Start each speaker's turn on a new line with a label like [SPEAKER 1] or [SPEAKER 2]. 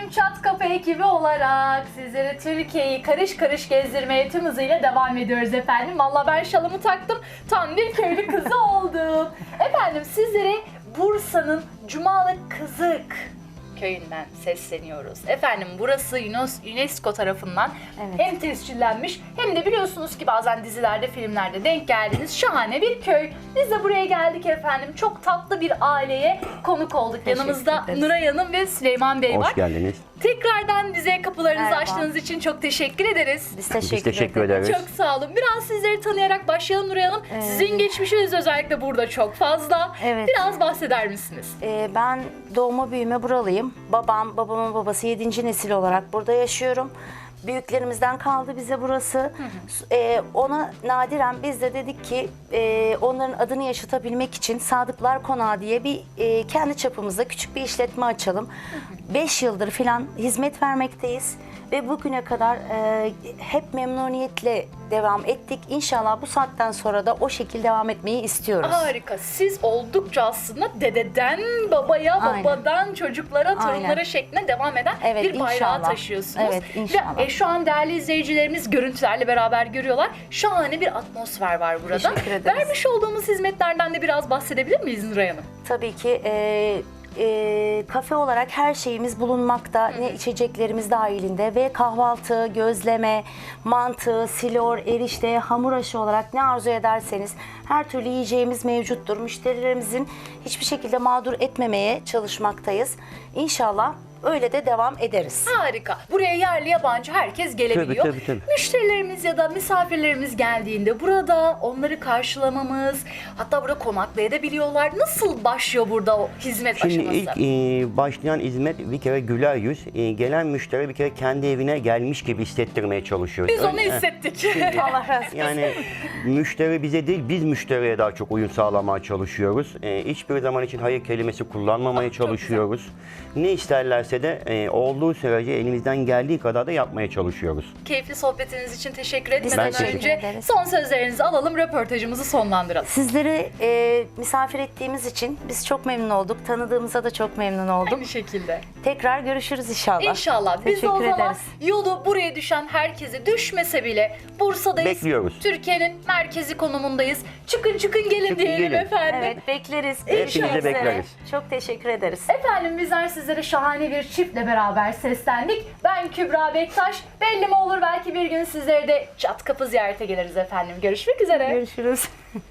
[SPEAKER 1] Çat Kapı ekibi olarak sizlere Türkiye'yi karış karış gezdirmeye tüm hızıyla devam ediyoruz efendim. Valla ben şalımı taktım, tam bir köylü kızı oldum. Efendim sizlere Bursa'nın Cumalı Kızık köyünden sesleniyoruz. Efendim burası UNESCO tarafından hem tescillenmiş hem de biliyorsunuz ki bazen dizilerde, filmlerde denk geldiğiniz şahane bir köy. Biz de buraya geldik efendim. Çok tatlı bir aileye konuk olduk. Yanımızda Nuray Hanım ve Süleyman Bey var.
[SPEAKER 2] Hoş geldiniz.
[SPEAKER 1] Tekrardan bize kapılarınızı
[SPEAKER 3] Merhaba.
[SPEAKER 1] açtığınız için çok teşekkür ederiz.
[SPEAKER 3] Biz
[SPEAKER 2] Biz teşekkür ederiz.
[SPEAKER 1] Çok sağ olun. Biraz sizleri tanıyarak başlayalım Nuray Hanım. Sizin geçmişiniz özellikle burada çok fazla.
[SPEAKER 3] Evet.
[SPEAKER 1] Biraz bahseder misiniz?
[SPEAKER 3] Ben doğma büyüme buralıyım. Babamın babası 7. nesil olarak burada yaşıyorum. Büyüklerimizden kaldı bize burası. Ona nadiren biz de dedik ki onların adını yaşatabilmek için Sadıklar Konağı diye bir kendi çapımızda küçük bir işletme açalım. 5 yıldır filan hizmet vermekteyiz. Ve bugüne kadar hep memnuniyetle devam ettik. İnşallah bu saatten sonra da o şekilde devam etmeyi istiyoruz.
[SPEAKER 1] Harika. Siz oldukça aslında dededen babaya,
[SPEAKER 3] Aynen.
[SPEAKER 1] babadan çocuklara, torunlara
[SPEAKER 3] Aynen.
[SPEAKER 1] şeklinde devam eden
[SPEAKER 3] Evet,
[SPEAKER 1] bir bayrağı
[SPEAKER 3] inşallah.
[SPEAKER 1] taşıyorsunuz.
[SPEAKER 3] Evet, inşallah.
[SPEAKER 1] Ve şu an değerli izleyicilerimiz görüntülerle beraber görüyorlar. Şahane bir atmosfer var burada.
[SPEAKER 3] Teşekkür ederiz.
[SPEAKER 1] Vermiş olduğumuz hizmetlerden de biraz bahsedebilir miyiz Nuray Hanım?
[SPEAKER 3] Tabii ki kafe olarak her şeyimiz bulunmakta. Ne içeceklerimiz dahilinde ve kahvaltı, gözleme, mantı, silor, erişte, hamur aşı olarak ne arzu ederseniz her türlü yiyeceğimiz mevcuttur. Müşterilerimizin hiçbir şekilde mağdur etmemeye çalışmaktayız. İnşallah öyle de devam ederiz.
[SPEAKER 1] Harika. Buraya yerli yabancı herkes gelebiliyor.
[SPEAKER 2] Tabii.
[SPEAKER 1] Müşterilerimiz ya da misafirlerimiz geldiğinde burada onları karşılamamız, hatta burada konaklayabiliyorlar. Nasıl başlıyor burada o hizmet
[SPEAKER 2] Şimdi
[SPEAKER 1] aşaması?
[SPEAKER 2] ilk başlayan hizmet bir kere güler yüz. Gelen müşteri bir kere kendi evine gelmiş gibi hissettirmeye çalışıyoruz.
[SPEAKER 1] Biz onu hissettik.
[SPEAKER 3] Allah razı olsun.
[SPEAKER 2] Yani müşteri bize değil, biz müşteriye daha çok uyum sağlamaya çalışıyoruz. Hiçbir zaman için hayır kelimesi kullanmamaya çalışıyoruz. Ne isterlerse de olduğu sürece elimizden geldiği kadar da yapmaya çalışıyoruz.
[SPEAKER 1] Keyifli sohbetiniz için teşekkür
[SPEAKER 3] Biz
[SPEAKER 1] etmeden
[SPEAKER 2] teşekkür
[SPEAKER 1] önce
[SPEAKER 3] ederiz.
[SPEAKER 1] son sözlerinizi alalım, röportajımızı sonlandıralım.
[SPEAKER 3] Sizleri misafir ettiğimiz için biz çok memnun olduk. Tanıdığımıza da çok memnun oldum.
[SPEAKER 1] Aynı şekilde.
[SPEAKER 3] Tekrar görüşürüz inşallah.
[SPEAKER 1] İnşallah. Biz de o
[SPEAKER 3] Teşekkür
[SPEAKER 1] zaman
[SPEAKER 3] ederiz.
[SPEAKER 1] yolu buraya düşen herkese düşmese bile Bursa'dayız.
[SPEAKER 2] Bekliyoruz.
[SPEAKER 1] Türkiye'nin merkezi konumundayız. Çıkın gelin
[SPEAKER 2] Çıkın,
[SPEAKER 1] diyelim
[SPEAKER 2] gelin.
[SPEAKER 1] efendim.
[SPEAKER 3] Evet, bekleriz.
[SPEAKER 2] Hepinizi
[SPEAKER 3] Görüşmek üzere.
[SPEAKER 2] bekleriz.
[SPEAKER 3] Çok teşekkür ederiz.
[SPEAKER 1] Efendim bizler sizlere şahane bir çiftle beraber seslendik. Ben Kübra Bektaş. Belli mi olur belki bir gün sizleri de Çat Kapı ziyarete geliriz efendim. Görüşmek üzere.
[SPEAKER 3] Görüşürüz.